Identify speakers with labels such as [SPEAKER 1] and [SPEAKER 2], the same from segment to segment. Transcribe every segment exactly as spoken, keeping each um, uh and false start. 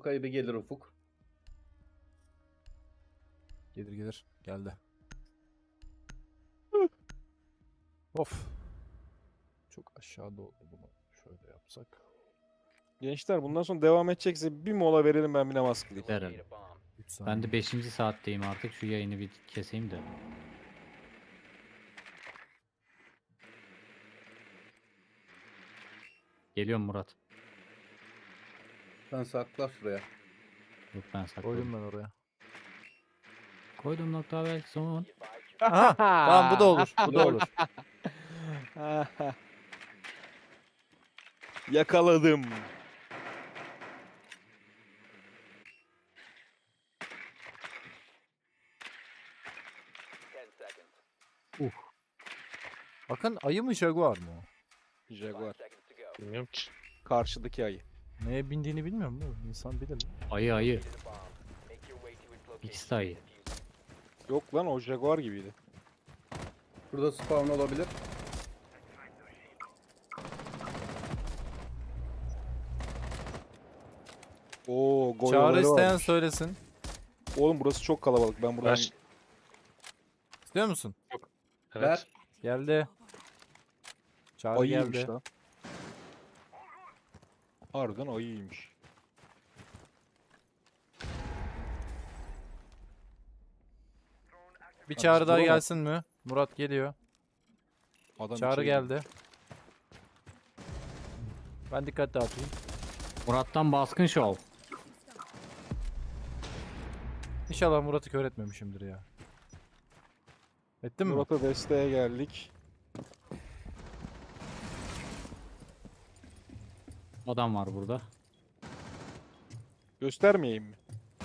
[SPEAKER 1] Arkaya bir gelir Ufuk.
[SPEAKER 2] Gelir gelir. Geldi. Of. Çok aşağıda oldu bunu. Şöyle yapsak.
[SPEAKER 3] Gençler bundan sonra devam edecekse bir mola verelim, ben bir namaz kılayım.
[SPEAKER 4] Verelim.
[SPEAKER 2] üç saniye.
[SPEAKER 4] Ben de beşinci saatteyim artık. Şu yayını bir keseyim de. Geliyorum Murat.
[SPEAKER 1] Sen sakla şuraya.
[SPEAKER 4] Yok ben sakladım.
[SPEAKER 2] Koydum ben oraya.
[SPEAKER 4] Koydum nokta ve son.
[SPEAKER 2] Aha. Tamam bu da olur. Bu da olur.
[SPEAKER 3] Yakaladım.
[SPEAKER 2] Bakın ayı mı jaguar mı o?
[SPEAKER 3] Jaguar.
[SPEAKER 5] Bilmiyorum ki.
[SPEAKER 3] Karşıdaki ayı.
[SPEAKER 2] Neye bindiğini bilmiyorum bu. İnsan bilir.
[SPEAKER 4] Ayı ayı. İkisi de ayı.
[SPEAKER 3] Yok lan, o Jaguar gibiydi.
[SPEAKER 1] Burada spawn olabilir.
[SPEAKER 3] Oo,
[SPEAKER 2] Çağrı
[SPEAKER 3] goyaları
[SPEAKER 2] isteyen
[SPEAKER 3] varmış.
[SPEAKER 2] söylesin.
[SPEAKER 3] Oğlum burası çok kalabalık. Ben buradan...
[SPEAKER 5] Ver.
[SPEAKER 2] İstiyor musun?
[SPEAKER 5] Evet.
[SPEAKER 1] Ver.
[SPEAKER 2] Geldi. Çağrı
[SPEAKER 3] Ayıymış
[SPEAKER 2] geldi.
[SPEAKER 3] lan. Harbiden ayıymış.
[SPEAKER 2] Bir
[SPEAKER 3] Abi
[SPEAKER 2] çağrı
[SPEAKER 3] biz
[SPEAKER 2] daha
[SPEAKER 3] duramadık.
[SPEAKER 2] gelsin mi? Murat geliyor.
[SPEAKER 3] Adam
[SPEAKER 2] Çağrı
[SPEAKER 3] içeri
[SPEAKER 2] geldi. Ben dikkat dağıtayım.
[SPEAKER 4] Murat'tan baskın şov.
[SPEAKER 2] İnşallah Murat'ı kör etmemişimdir ya. Ettin mi?
[SPEAKER 3] Murat'a desteğe geldik.
[SPEAKER 4] Adam var burada.
[SPEAKER 3] Göstermeyeyim mi?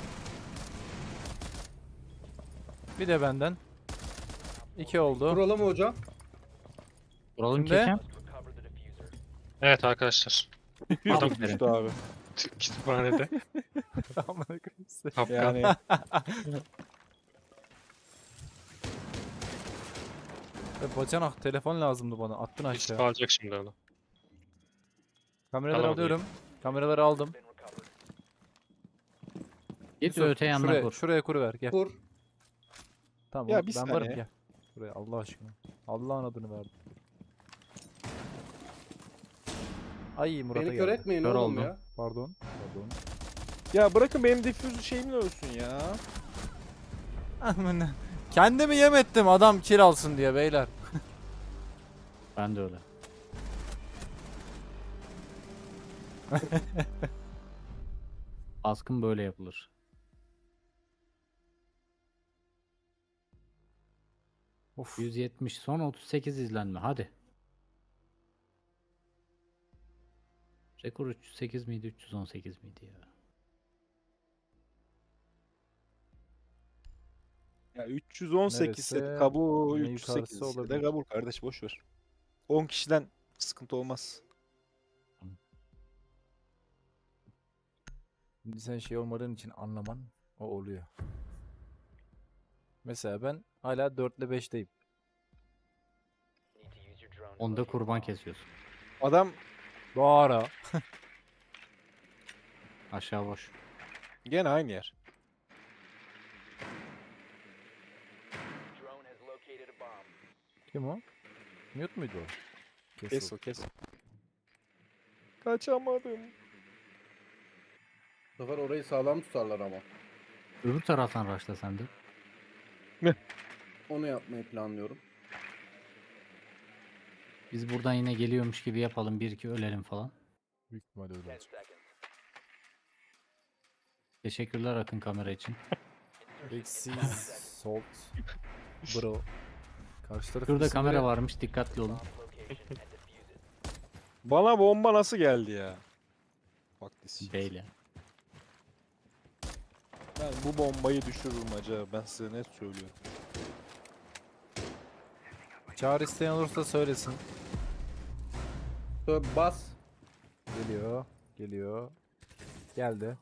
[SPEAKER 2] Bir de benden. İki oldu.
[SPEAKER 1] Kuralım mı hocam?
[SPEAKER 4] Vuralım
[SPEAKER 2] Kimde?
[SPEAKER 4] kekem.
[SPEAKER 5] Evet arkadaşlar. Adam
[SPEAKER 4] Aferin.
[SPEAKER 3] Düştü abi.
[SPEAKER 5] kütüphanede.
[SPEAKER 2] Amına koyayım size.
[SPEAKER 5] Kapkan.
[SPEAKER 3] Yani
[SPEAKER 2] E, Bacanak telefon lazımdı bana. Attın aşağı.
[SPEAKER 5] İstifa alacak şimdi onu.
[SPEAKER 2] Kameraları
[SPEAKER 5] Tamam,
[SPEAKER 2] alıyorum. Kameraları aldım.
[SPEAKER 4] Git
[SPEAKER 2] Yusuf,
[SPEAKER 4] öte yanına
[SPEAKER 2] şuraya,
[SPEAKER 4] kur.
[SPEAKER 2] şuraya kuruver gel.
[SPEAKER 1] Kur.
[SPEAKER 2] Tamam
[SPEAKER 3] Ya
[SPEAKER 2] oğlum,
[SPEAKER 3] bir
[SPEAKER 2] ben
[SPEAKER 3] saniye.
[SPEAKER 2] varım gel. Buraya Allah aşkına. Allah'ın adını verdim. Ay Murat'a
[SPEAKER 1] Beni kör
[SPEAKER 2] geldi.
[SPEAKER 1] etmeyin
[SPEAKER 4] Kör
[SPEAKER 1] oğlum
[SPEAKER 4] oldu.
[SPEAKER 1] ya.
[SPEAKER 2] Pardon. Pardon.
[SPEAKER 3] ya bırakın benim difüz şeyimle ölsün ya.
[SPEAKER 2] Amına. Kendimi yem ettim adam kill alsın diye beyler.
[SPEAKER 4] Ben de öyle. Baskın böyle yapılır.
[SPEAKER 2] Of.
[SPEAKER 4] yüz yetmiş son otuz sekiz izlenme hadi. Rekor üç yüz sekiz miydi üç yüz on sekiz miydi ya?
[SPEAKER 3] Ya üç yüz on sekiz ise
[SPEAKER 2] Neresi?
[SPEAKER 3] kabul,
[SPEAKER 2] Yine
[SPEAKER 3] üç yüz sekiz
[SPEAKER 2] yukarısı
[SPEAKER 3] ise de
[SPEAKER 2] olabilir.
[SPEAKER 3] kabul kardeş, boş ver. on kişiden sıkıntı olmaz.
[SPEAKER 2] Şimdi sen şey olmadığın için anlaman o oluyor. Mesela ben hala dört ile beşteyim.
[SPEAKER 4] Onda kurban kesiyorsun.
[SPEAKER 3] Adam
[SPEAKER 2] Bu ara.
[SPEAKER 4] Aşağı boş.
[SPEAKER 3] gene aynı yer.
[SPEAKER 2] Kim o? Mute muydu o?
[SPEAKER 3] Kes o, kes. Kaçamadım.
[SPEAKER 1] Bu sefer orayı sağlam tutarlar ama.
[SPEAKER 4] Öbür taraftan raşla sen de.
[SPEAKER 1] Onu yapmayı planlıyorum.
[SPEAKER 4] Biz buradan yine geliyormuş gibi yapalım. Bir iki ölelim falan.
[SPEAKER 2] Büyük ihtimalle öyle olacak.
[SPEAKER 4] Teşekkürler Akın kamera için.
[SPEAKER 2] Eksiz salt. Bro. Karşı taraf
[SPEAKER 4] Şurada
[SPEAKER 2] isimleri-
[SPEAKER 4] kamera varmış dikkatli olun.
[SPEAKER 3] Bana bomba nasıl geldi ya? Bak this.
[SPEAKER 4] Beyle.
[SPEAKER 3] Ben bu bombayı düşürürüm acaba, ben size net söylüyorum.
[SPEAKER 2] Çağrı isteyen olursa söylesin.
[SPEAKER 1] Şöyle bas.
[SPEAKER 2] Geliyor. Geliyor. Geldi.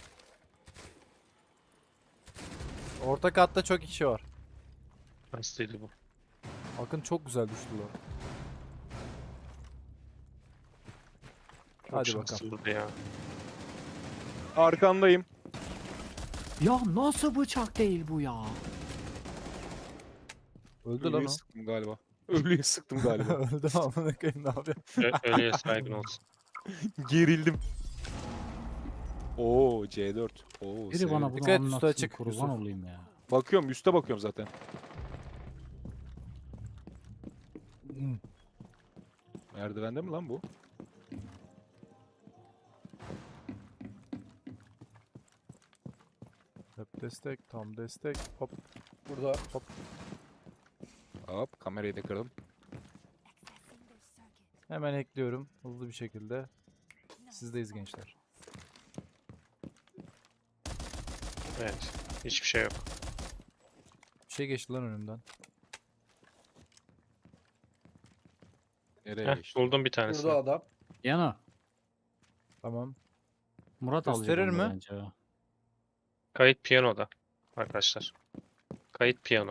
[SPEAKER 2] Orta katta çok kişi var.
[SPEAKER 5] Hastaydı bu.
[SPEAKER 2] Akın çok güzel düştü lan.
[SPEAKER 5] Çok
[SPEAKER 2] Hadi bakalım.
[SPEAKER 5] şanslıydı ya.
[SPEAKER 3] Arkandayım.
[SPEAKER 4] Ya nasıl bıçak değil bu ya?
[SPEAKER 2] Öldü lan
[SPEAKER 3] Ölüye
[SPEAKER 2] o.
[SPEAKER 3] sıktım galiba. Ölüye sıktım galiba.
[SPEAKER 2] Öldü amına koyayım ne yapıyor?
[SPEAKER 5] Ö- ölüye saygın olsun.
[SPEAKER 3] Gerildim. Oo C dört. Oo,
[SPEAKER 4] Biri bana
[SPEAKER 3] severim.
[SPEAKER 4] bunu
[SPEAKER 2] Dikkat et, üstü
[SPEAKER 4] anlatsın,
[SPEAKER 2] açık,
[SPEAKER 4] kurban
[SPEAKER 2] Yusuf.
[SPEAKER 4] olayım ya.
[SPEAKER 3] Bakıyorum üste bakıyorum zaten.
[SPEAKER 2] Hmm.
[SPEAKER 3] Merdivende mi lan bu?
[SPEAKER 2] Hep destek, tam destek. Hop.
[SPEAKER 1] Burada.
[SPEAKER 3] Hop kamerayı da kırdım.
[SPEAKER 2] Hemen ekliyorum hızlı bir şekilde. Sizdeyiz gençler.
[SPEAKER 5] Evet. Hiçbir şey yok.
[SPEAKER 2] Bir şey geçti lan önümden.
[SPEAKER 3] Nereye
[SPEAKER 5] Heh,
[SPEAKER 3] geçti?
[SPEAKER 5] buldum bir tanesini.
[SPEAKER 1] Burada adam.
[SPEAKER 4] Yana.
[SPEAKER 2] Tamam.
[SPEAKER 4] Murat
[SPEAKER 2] Gösterir
[SPEAKER 4] alacak onu
[SPEAKER 2] mi?
[SPEAKER 4] bence ya.
[SPEAKER 5] Kayıt piyanoda. Arkadaşlar. Kayıt piyano.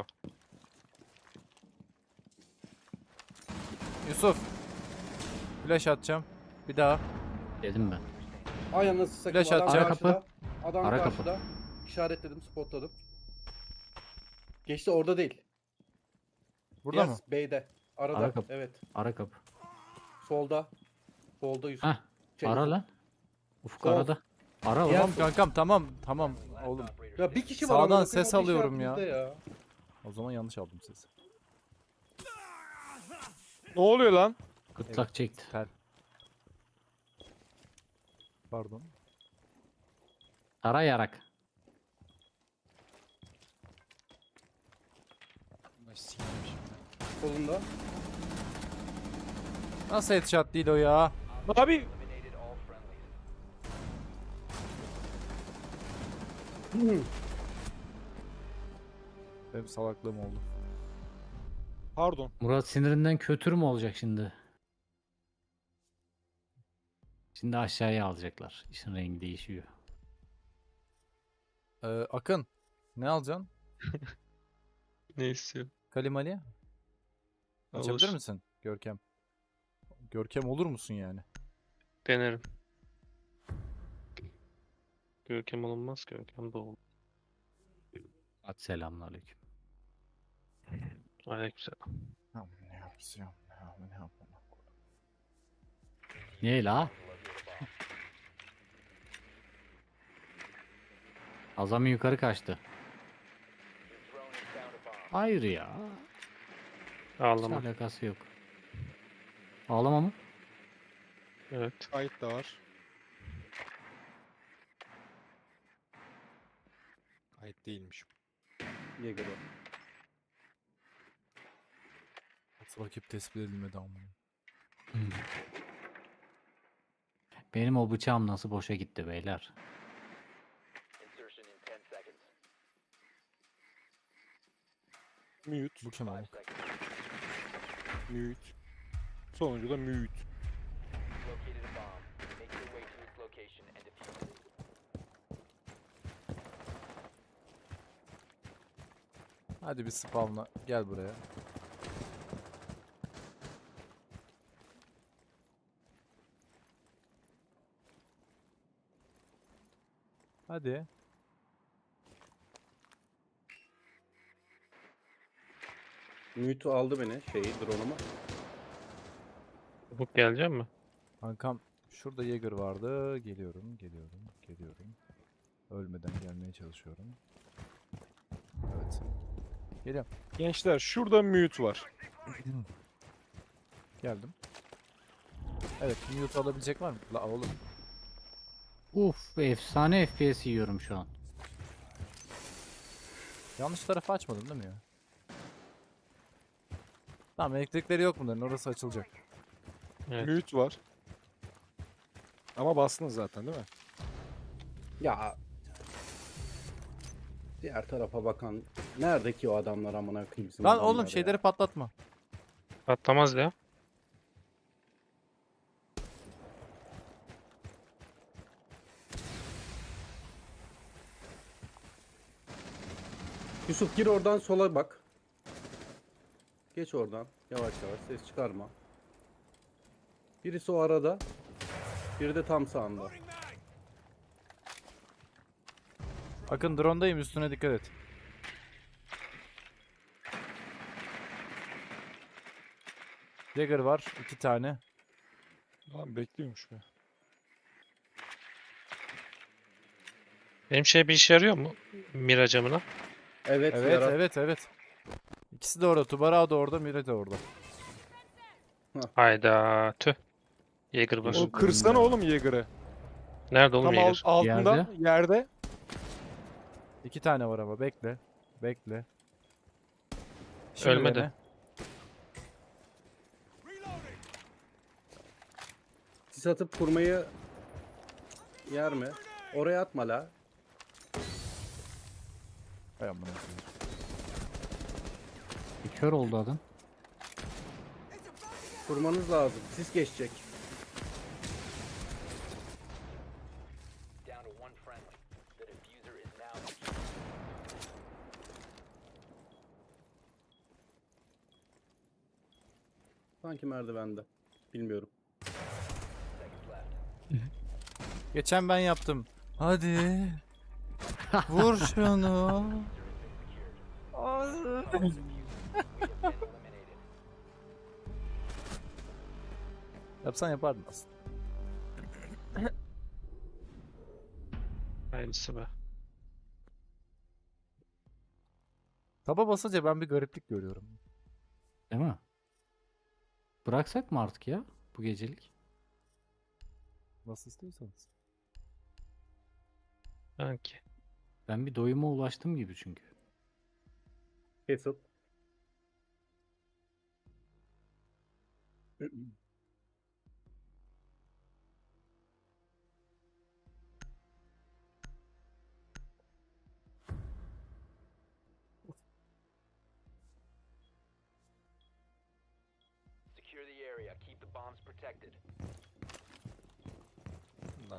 [SPEAKER 2] Yusuf. Flash atacağım. Bir daha.
[SPEAKER 4] Dedim ben.
[SPEAKER 1] Ay anasını satayım.
[SPEAKER 2] Flash
[SPEAKER 1] Adam
[SPEAKER 2] atacağım.
[SPEAKER 1] karşıda. Adam
[SPEAKER 4] Ara kapı.
[SPEAKER 1] karşıda. İşaretledim, spotladım. Geçti orada değil.
[SPEAKER 2] Burada
[SPEAKER 1] Yes,
[SPEAKER 2] mı?
[SPEAKER 1] B'de. Arada.
[SPEAKER 4] Ara kapı.
[SPEAKER 1] Evet.
[SPEAKER 4] Ara kapı.
[SPEAKER 1] Solda. Solda Yusuf.
[SPEAKER 4] Heh.
[SPEAKER 1] Şey,
[SPEAKER 4] Ara
[SPEAKER 1] Yusuf.
[SPEAKER 4] lan. Ufuk
[SPEAKER 1] Sol.
[SPEAKER 4] arada. Ara lan.
[SPEAKER 1] Ya-
[SPEAKER 2] Tamam kankam tamam tamam oğlum.
[SPEAKER 1] Ya bir kişi var.
[SPEAKER 2] Sağdan
[SPEAKER 1] amına koyayım,
[SPEAKER 2] ses
[SPEAKER 1] o da
[SPEAKER 2] alıyorum ya.
[SPEAKER 1] işaretimizde ya.
[SPEAKER 2] O zaman yanlış aldım sesi.
[SPEAKER 3] Ne oluyor lan?
[SPEAKER 4] Gırtlak çekti.
[SPEAKER 2] Tel. Pardon.
[SPEAKER 4] Ara yarak.
[SPEAKER 1] Solunda.
[SPEAKER 2] Nasıl headshot değil o ya?
[SPEAKER 3] Abi
[SPEAKER 2] Benim salaklığım oldu.
[SPEAKER 3] pardon.
[SPEAKER 4] Murat sinirinden kötür mü olacak şimdi? Şimdi aşağıya alacaklar. İşin rengi değişiyor.
[SPEAKER 2] Ee, Akın. Ne alacaksın?
[SPEAKER 5] Ne istiyor?
[SPEAKER 2] Kalimali. Açabilir
[SPEAKER 5] Olur.
[SPEAKER 2] misin? Görkem. Görkem olur musun yani?
[SPEAKER 5] Denerim. Görkem olunmaz. Görkem de olur.
[SPEAKER 4] Hadi selamünaleyküm.
[SPEAKER 5] Aleykümselam.
[SPEAKER 2] Ne yapacağım? Ne yapacağım?
[SPEAKER 4] Niye la? Azami yukarı kaçtı. Hayır ya. Hiç
[SPEAKER 5] Ağlama.
[SPEAKER 4] alakası yok. Ağlama mı?
[SPEAKER 5] Evet.
[SPEAKER 3] Kayıt da var. Kayıt değilmiş.
[SPEAKER 1] Yeager o.
[SPEAKER 2] Nasıl rakip tespit edilmedi ama.
[SPEAKER 4] Hmm. Benim o bıçağım nasıl boşa gitti beyler?
[SPEAKER 3] Mute.
[SPEAKER 2] Bu kim abi?
[SPEAKER 3] Mute. Sonuncu da mute.
[SPEAKER 2] Hadi bir spawnla gel buraya. Hadi.
[SPEAKER 1] Mute aldı beni. Şeyi, drone'umu.
[SPEAKER 5] Ufuk gelecek mi?
[SPEAKER 2] Kankam şurada Jäger vardı. Geliyorum, geliyorum, geliyorum. Ölmeden gelmeye çalışıyorum. Evet. Geliyorum.
[SPEAKER 3] Gençler şurada mute var.
[SPEAKER 2] Geldim. Evet, mute alabilecek var mı? La oğlum.
[SPEAKER 4] Uf, efsane F P S yiyorum şu an.
[SPEAKER 2] Yanlış tarafı açmadın değil mi ya? Tamam, elektrikleri yok bunların. Orası açılacak.
[SPEAKER 5] Evet.
[SPEAKER 3] Mute var. Ama bastınız zaten değil mi?
[SPEAKER 1] Ya. Diğer tarafa bakan. Nerede ki o adamlar amına koyayım bizim
[SPEAKER 2] Lan
[SPEAKER 1] adamlar
[SPEAKER 2] oğlum
[SPEAKER 1] ya?
[SPEAKER 2] şeyleri patlatma.
[SPEAKER 5] Patlamaz ya.
[SPEAKER 1] Yusuf gir oradan sola bak. Geç oradan. Yavaş yavaş ses çıkarma. Birisi o arada. Biri de tam sağında.
[SPEAKER 2] Akın drone'dayım, üstüne dikkat et. Jagger var iki tane.
[SPEAKER 3] Lan bekliyormuş be.
[SPEAKER 5] Benim şey bir işe yarıyor mu? Mira camına.
[SPEAKER 1] Evet,
[SPEAKER 2] Evet
[SPEAKER 1] yara.
[SPEAKER 2] evet evet. İkisi de orada. Tubara da orada, Mire de orada.
[SPEAKER 5] Hayda tüh. Jäger var.
[SPEAKER 3] O kırsana oğlum Yeager'ı.
[SPEAKER 5] Nerede oğlum
[SPEAKER 3] Tam al-
[SPEAKER 5] Jäger?
[SPEAKER 3] altında
[SPEAKER 4] Yerde.
[SPEAKER 3] yerde.
[SPEAKER 2] İki tane var ama bekle. Bekle. Şimdi
[SPEAKER 5] Ölmedi.
[SPEAKER 2] dene.
[SPEAKER 1] Sis atıp kurmayı yer mi? Oraya atma la.
[SPEAKER 2] Hay amına koyayım.
[SPEAKER 4] Bir kör oldu adam.
[SPEAKER 1] Kurmanız lazım. Sis geçecek.
[SPEAKER 6] Down to one friendly. The diffuser is now
[SPEAKER 1] Sanki merdivende. Bilmiyorum.
[SPEAKER 2] Geçen ben yaptım. Hadi. Vur şunu. Yapsan yapardın aslında.
[SPEAKER 5] Aynısı be.
[SPEAKER 2] Taba basınca ben bir gariplik görüyorum.
[SPEAKER 4] Değil mi? Bıraksak mı artık ya bu gecelik?
[SPEAKER 2] Nasıl istiyorsanız.
[SPEAKER 5] Sanki.
[SPEAKER 4] Ben bir doyuma ulaştım gibi çünkü.
[SPEAKER 1] Kesit.
[SPEAKER 6] secure the area. Keep the bombs protected.
[SPEAKER 3] Lan.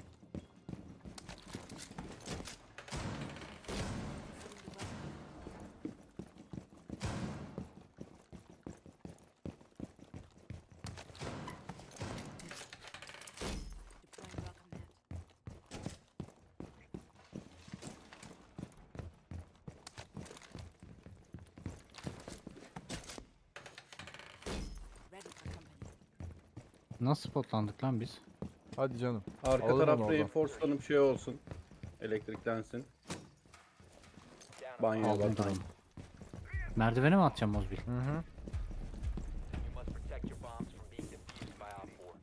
[SPEAKER 4] Nasıl spotlandık lan biz?
[SPEAKER 2] Hadi canım.
[SPEAKER 1] Arka
[SPEAKER 2] Alırım
[SPEAKER 1] taraf
[SPEAKER 2] oradan.
[SPEAKER 1] reinforcelanıp şey olsun. Elektriklensin.
[SPEAKER 6] Down
[SPEAKER 1] Banyoya
[SPEAKER 4] Aldım
[SPEAKER 1] bak.
[SPEAKER 4] drone. Merdivene mi atacağım Mozbil?
[SPEAKER 2] Hı hı.
[SPEAKER 6] You must protect your bombs from being defused by Op four.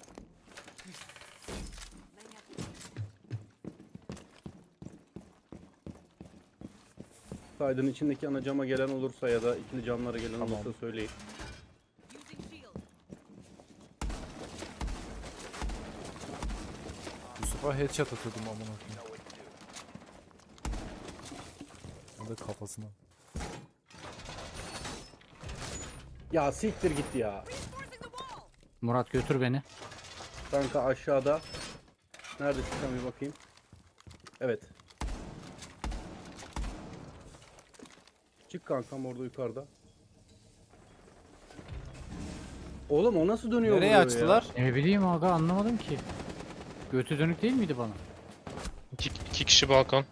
[SPEAKER 1] Saydın içindeki ana cama gelen olursa ya da ikili camlara gelen
[SPEAKER 2] Tamam.
[SPEAKER 1] olursa söyleyin.
[SPEAKER 2] Yusuf'a headshot atıyordum amına koyayım.
[SPEAKER 6] Know what to do.
[SPEAKER 2] O da kafasına.
[SPEAKER 1] Ya siktir git ya.
[SPEAKER 4] Murat götür beni.
[SPEAKER 1] Kanka aşağıda. Nerede çıkan bir bakayım. Evet. Çık kankam orada yukarıda. Oğlum o nasıl dönüyor
[SPEAKER 2] Nereye
[SPEAKER 1] buraya
[SPEAKER 2] açtılar?
[SPEAKER 4] Ne bileyim aga anlamadım ki. Götü dönük değil miydi bana?
[SPEAKER 5] İki, iki kişi balkon.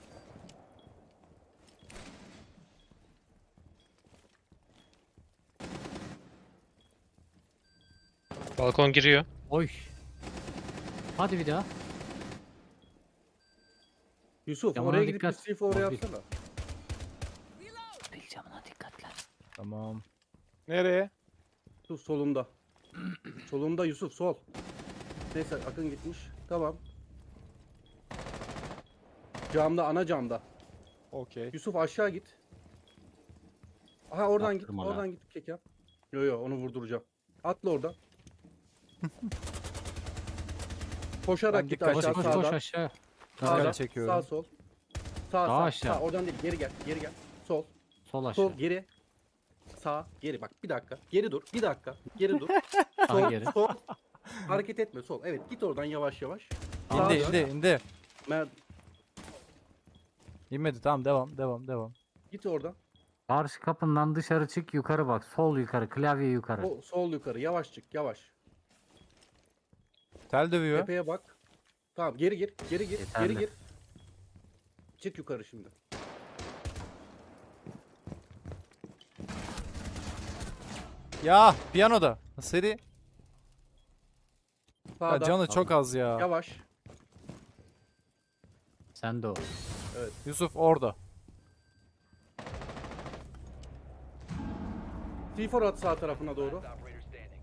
[SPEAKER 5] Balkon giriyor.
[SPEAKER 4] Oy. Hadi bir daha.
[SPEAKER 1] Yusuf
[SPEAKER 4] Camına
[SPEAKER 1] oraya gidip bir
[SPEAKER 4] dikkat.
[SPEAKER 1] sif oraya
[SPEAKER 4] Mobil.
[SPEAKER 1] yapsana.
[SPEAKER 4] Bil camına dikkat lan.
[SPEAKER 2] Tamam.
[SPEAKER 3] Nereye?
[SPEAKER 1] Yusuf solunda. Solunda Yusuf sol. Neyse Akın gitmiş. Tamam. Camda ana camda.
[SPEAKER 3] Okey.
[SPEAKER 1] Yusuf aşağı git. Aha oradan git.
[SPEAKER 4] Yaptırma lan.
[SPEAKER 1] Oradan git kek yap. Yo yo onu vurduracağım. Atla oradan. Koşarak
[SPEAKER 2] Ben
[SPEAKER 1] git
[SPEAKER 2] dikkat
[SPEAKER 4] Koş
[SPEAKER 1] aşağı
[SPEAKER 4] koş
[SPEAKER 1] sağdan.
[SPEAKER 4] koş aşağı.
[SPEAKER 1] Sağdan,
[SPEAKER 2] Dikkat çekiyorum.
[SPEAKER 1] Sağ sol. Sağ
[SPEAKER 4] Daha
[SPEAKER 1] sağ.
[SPEAKER 4] aşağı.
[SPEAKER 1] Sağ oradan değil geri gel. Geri gel. Sol.
[SPEAKER 4] Sol aşağı.
[SPEAKER 1] Sol geri. Sağ geri bak bir dakika. Geri dur. Bir dakika. Geri dur.
[SPEAKER 4] Sağ
[SPEAKER 1] Sol
[SPEAKER 4] geri.
[SPEAKER 1] sol. Hareket etme sol. Evet git oradan yavaş yavaş.
[SPEAKER 2] İndi
[SPEAKER 1] Sağa
[SPEAKER 2] indi indi.
[SPEAKER 1] Mer
[SPEAKER 2] İnmedi, tamam, devam devam devam.
[SPEAKER 1] git oradan.
[SPEAKER 4] Karşı kapından dışarı çık yukarı bak. Sol yukarı klavye yukarı.
[SPEAKER 1] O, sol yukarı yavaş çık yavaş.
[SPEAKER 2] Tel dövüyor.
[SPEAKER 1] Tepeye bak. Tamam geri gir. Geri gir.
[SPEAKER 4] Yeterli.
[SPEAKER 1] Geri gir. Çık yukarı şimdi.
[SPEAKER 2] Ya piyanoda. Seri. Ya
[SPEAKER 1] Sağda.
[SPEAKER 2] canı çok az ya.
[SPEAKER 1] Yavaş.
[SPEAKER 4] Sen de o.
[SPEAKER 2] Yusuf orada.
[SPEAKER 1] T dört at sağ tarafına doğru.
[SPEAKER 6] Last operator standing.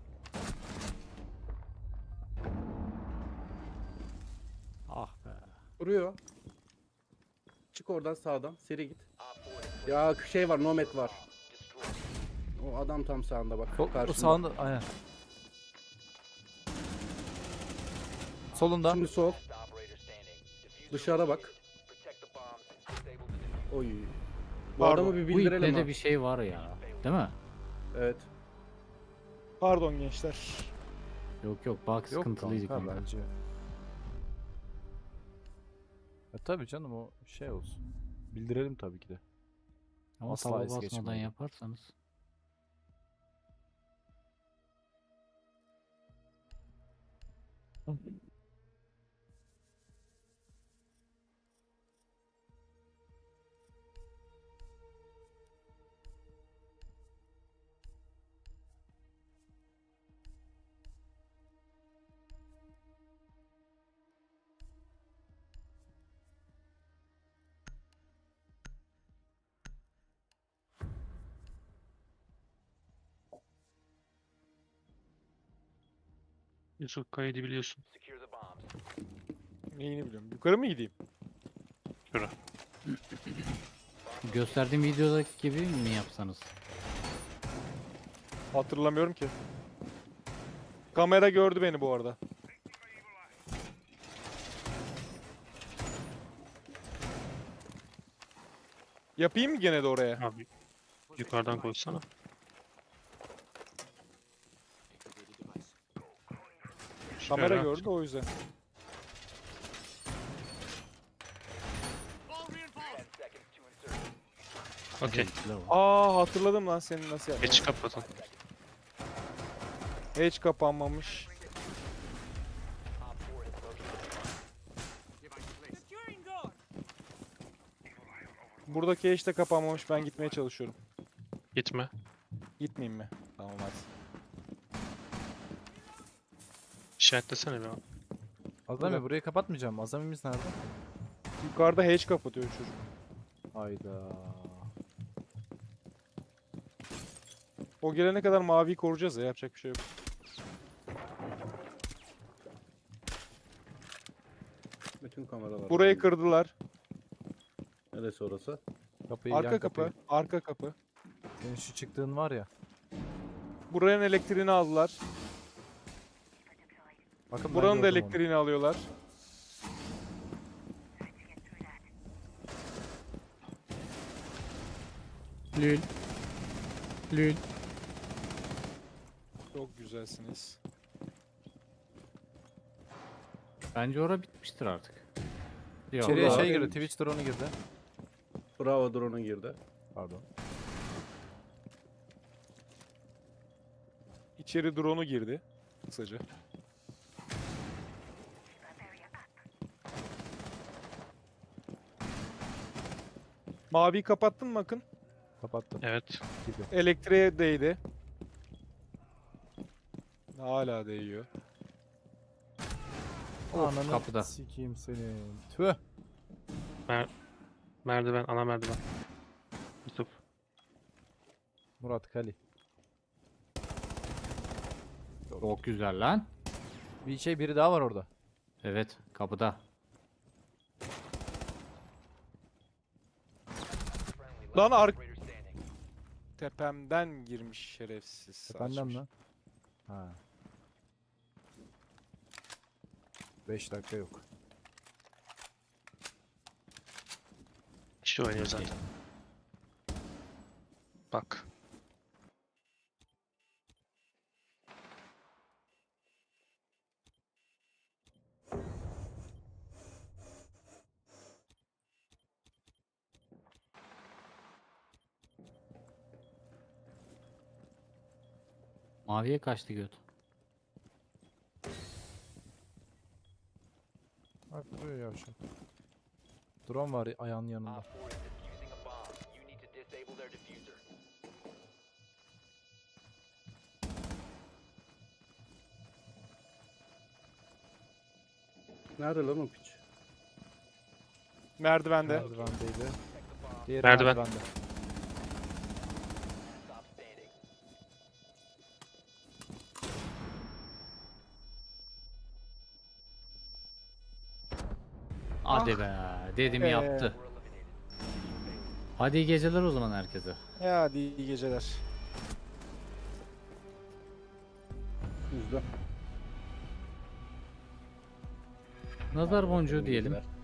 [SPEAKER 4] Ah be.
[SPEAKER 1] Vuruyor. Çık oradan sağdan. Seri git.
[SPEAKER 6] Op four has
[SPEAKER 1] Ya şey var, Nomad var.
[SPEAKER 6] destroyed.
[SPEAKER 1] O adam tam sağında bak.
[SPEAKER 2] Sol, o
[SPEAKER 1] karşında.
[SPEAKER 2] sağında aynen. Solunda.
[SPEAKER 1] Şimdi sol.
[SPEAKER 6] Last operator standing. Diffuser
[SPEAKER 1] Dışarı bak.
[SPEAKER 6] located. Protect the bombs and disable the diffuser.
[SPEAKER 1] Oy. Bu
[SPEAKER 3] Pardon.
[SPEAKER 1] adamı bir
[SPEAKER 4] Bu
[SPEAKER 1] bildirelim
[SPEAKER 4] ipte de
[SPEAKER 1] ha.
[SPEAKER 4] bir şey var ya. Değil mi?
[SPEAKER 1] Evet.
[SPEAKER 3] Pardon gençler.
[SPEAKER 4] Yok yok bak
[SPEAKER 2] Yok
[SPEAKER 4] sıkıntılıydı
[SPEAKER 2] kanka,
[SPEAKER 4] kanka.
[SPEAKER 2] bence. Ya tabii canım o şey olsun. Bildirelim tabii ki de.
[SPEAKER 4] Ama
[SPEAKER 2] Asla
[SPEAKER 4] tava
[SPEAKER 2] es
[SPEAKER 4] basmadan
[SPEAKER 2] geçmeyelim.
[SPEAKER 4] yaparsanız.
[SPEAKER 5] Yusuf kaydı biliyorsun.
[SPEAKER 6] Secure the bombs.
[SPEAKER 3] Neyini biliyorum. Yukarı mı gideyim?
[SPEAKER 5] Şura.
[SPEAKER 4] Gösterdiğim videodaki gibi mi yapsanız?
[SPEAKER 3] Hatırlamıyorum ki. Kamera gördü beni bu arada. Yapayım mı gene de oraya?
[SPEAKER 5] Abi yukarıdan koysana.
[SPEAKER 3] Kamera
[SPEAKER 5] Şöyle.
[SPEAKER 3] gördü o yüzden.
[SPEAKER 6] Ten seconds to insertion.
[SPEAKER 5] Okey.
[SPEAKER 4] Zevkli o.
[SPEAKER 3] Aa hatırladım lan senin nasıl yaptın.
[SPEAKER 5] Geç kapatın.
[SPEAKER 3] Hiç kapanmamış.
[SPEAKER 6] Op four has located the bomb.
[SPEAKER 3] Buradaki hiç de kapanmamış. Ben gitmeye çalışıyorum.
[SPEAKER 5] Gitme.
[SPEAKER 3] Gitmeyeyim mi? Tamam hadi.
[SPEAKER 5] İşaretlesene bir an.
[SPEAKER 2] Azami
[SPEAKER 3] Burada.
[SPEAKER 2] burayı kapatmayacağım. Azami'miz nerede?
[SPEAKER 3] Yukarıda hiç kapatıyor çocuk.
[SPEAKER 2] Hayda.
[SPEAKER 3] O gelene kadar maviyi koruyacağız ya. Yapacak bir şey yok.
[SPEAKER 1] Bütün kameralar.
[SPEAKER 3] Burayı kırdılar.
[SPEAKER 1] Neresi orası?
[SPEAKER 2] Kapıyı
[SPEAKER 3] Arka
[SPEAKER 2] yan
[SPEAKER 3] kapı.
[SPEAKER 2] kapıyı.
[SPEAKER 3] Arka kapı.
[SPEAKER 2] Senin şu çıktığın var ya.
[SPEAKER 3] Buranın elektriğini aldılar.
[SPEAKER 2] Bakın ben
[SPEAKER 3] Buranın da
[SPEAKER 2] gördüm onu.
[SPEAKER 3] elektriğini alıyorlar.
[SPEAKER 4] Lül. Lül.
[SPEAKER 3] Çok güzelsiniz.
[SPEAKER 4] Bence ora bitmiştir artık. Yok.
[SPEAKER 2] İçeriye
[SPEAKER 1] Burada
[SPEAKER 2] şey girdi.
[SPEAKER 1] değilmiş.
[SPEAKER 2] Twitch drone'u girdi.
[SPEAKER 1] Bravo, drone'a girdi.
[SPEAKER 2] Pardon.
[SPEAKER 3] İçeri drone'u girdi. Kısaca. Maviyi kapattın mı Akın?
[SPEAKER 2] Kapattım.
[SPEAKER 5] Evet.
[SPEAKER 2] Gibi.
[SPEAKER 3] Elektriğe değdi. Hala değiyor.
[SPEAKER 4] Of,
[SPEAKER 2] Ananı
[SPEAKER 4] kapıda.
[SPEAKER 2] sikeyim seni. Tüh.
[SPEAKER 5] Merdiven, ana merdiven. Yusuf.
[SPEAKER 2] Murat Kali.
[SPEAKER 4] Çok güzel lan.
[SPEAKER 2] Bir şey biri daha var orada.
[SPEAKER 4] Evet kapıda.
[SPEAKER 6] Friendly
[SPEAKER 3] Lan
[SPEAKER 6] last
[SPEAKER 3] ar-
[SPEAKER 6] operator standing.
[SPEAKER 3] Tepemden girmiş şerefsiz.
[SPEAKER 2] Efendim
[SPEAKER 3] saçmış.
[SPEAKER 2] lan. Ha. beş dakika yok.
[SPEAKER 5] İşte oynuyor zaten. Bak.
[SPEAKER 4] Maviye kaçtı göt.
[SPEAKER 2] Bak duruyor yavşak. Drone var ayağının yanında.
[SPEAKER 6] Op four is defusing a bomb. You need to disable their diffuser.
[SPEAKER 1] Nerede lan o piç?
[SPEAKER 3] Merdivende.
[SPEAKER 2] Merdivendeydi.
[SPEAKER 6] Protect the bomb.
[SPEAKER 2] Diğeri
[SPEAKER 5] Merdiven.
[SPEAKER 2] merdivende.
[SPEAKER 6] Stop standing.
[SPEAKER 4] Hadi be. Dedim
[SPEAKER 3] Ee,
[SPEAKER 4] yaptı.
[SPEAKER 6] We're eliminated.
[SPEAKER 4] Hadi iyi geceler o zaman herkese.
[SPEAKER 3] Ya hadi iyi geceler.
[SPEAKER 1] Yüzde.
[SPEAKER 4] Nazar boncuğu diyelim.
[SPEAKER 1] Bilgiler.